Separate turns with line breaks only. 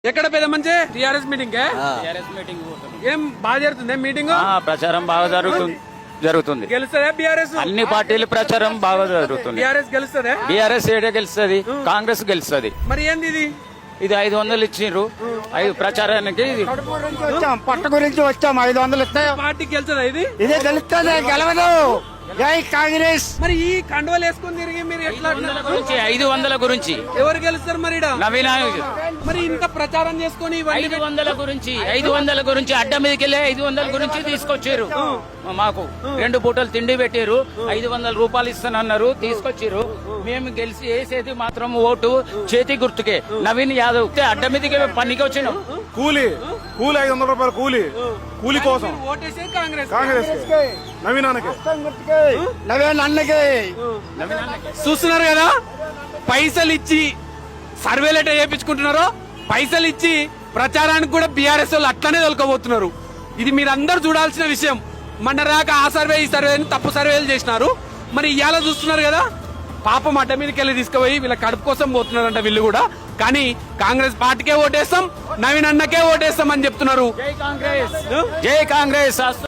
ఎక్కడ పెద్ద మంచి టిఆర్ఎస్ మీటింగ్ ఏం బాగా జరుగుతుంది మీటింగ్
ప్రచారం బాగా జరుగుతుంది
గెలుస్తుందా బీఆర్ఎస్
అన్ని పార్టీల ప్రచారం బాగా జరుగుతుంది.
బీఆర్ఎస్ గెలుస్తుందా
బీఆర్ఎస్ ఏడే గెలుస్తుంది, కాంగ్రెస్ గెలుస్తుంది.
మరి ఏంది
ఇది 500 ఇచ్చిండ్రు ప్రచారానికి.
పట్ట గురించి వచ్చాం 500 ఇస్తే
పార్టీకి గెలుస్తుందా
ఇదే గెలుస్తుంది, గెలవదు. జై కాంగ్రెస్.
మరి ఈ కండువలు వేసుకొని తిరిగి మీరు ఎట్లా
500 గురించి
ఎవరు గెలుస్తారు మరి
నవీన
మరి ఇంత ప్రచారం చేసుకొని
500 గురించి అడ్డ మీదకి వెళ్ళి 500 గురించి తీసుకొచ్చారు. మాకు 2 పూటలు తిండి పెట్టారు, 500 రూపాయలు ఇస్తానన్నారు, తీసుకొచ్చారు. మేము గెలిచి వేసేది మాత్రం ఓటు చేతి గుర్తుకే, నవీన్ యాదవ్. అడ్డ మీదకి పనికి వచ్చినాం.
కూలీ 500 రూపాయలు కూలీ కోసం
ఓటేసేది కాంగ్రెస్
నవీన్
అన్నకి
చూస్తున్నారు కదా, పైసలు ఇచ్చి సర్వేలు ఎట్లా చేయించుకుంటున్నారో, పైసలు ఇచ్చి ప్రచారానికి కూడా బీఆర్ఎస్ వాళ్ళు అట్లనే తొలకపోతున్నారు. ఇది మీరందరూ చూడాల్సిన విషయం. మొన్న రాక ఆ సర్వే ఈ సర్వే తప్పు సర్వేలు చేసినారు. మరి ఇవాళ చూస్తున్నారు కదా, పాపం అడ్డ మీదకి వెళ్ళి తీసుకుపోయి వీళ్ళ కడుపు కోసం పోతున్నారంట వీళ్ళు కూడా. కానీ కాంగ్రెస్ పార్టీకే ఓటేస్తాం, నవీన్ అన్నకే ఓటేస్తాం అని చెప్తున్నారు.
జై కాంగ్రెస్.